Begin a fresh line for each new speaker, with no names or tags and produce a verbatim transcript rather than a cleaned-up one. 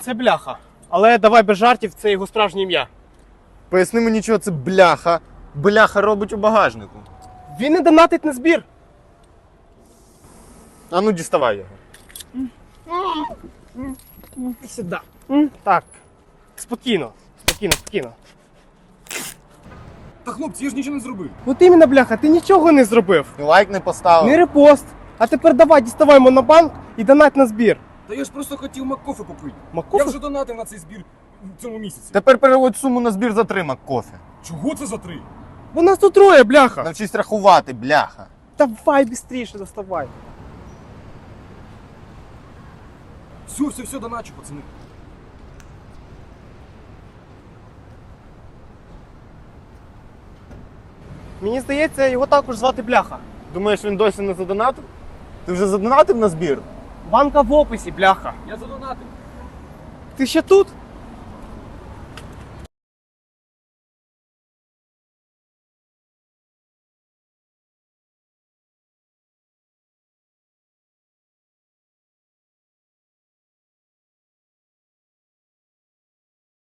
Це бляха. Але давай без жартів, це його справжнє ім'я.
Поясни мені, чого це бляха. Бляха робить у багажнику.
Він не донатить на збір.
А ну діставай його.
Сюди. Так. Спокійно, спокійно, спокійно.
Та хлопці, я ж нічого не зробив.
От іменно, бляха, ти нічого не зробив.
І лайк не поставив.
Не репост. А тепер давай, діставай монобанк і донать на збір.
Та я ж просто хотів Маккофе попити.
Маккофе?
Я вже донатив на цей збір в цьому місяці.
Тепер переводь суму на збір затримок кофе.
Чого це за три?
Бо нас тут троє, бляха.
Навчись рахувати, бляха.
Давай швидше доставай.
Все, все, все, доначу, пацани.
Мені здається, його також звати бляха.
Думаєш, він досі не задонатив? Ти вже задонатив на збір?
Банка в описі, бляха.
Я задонатив.
Ти ще тут?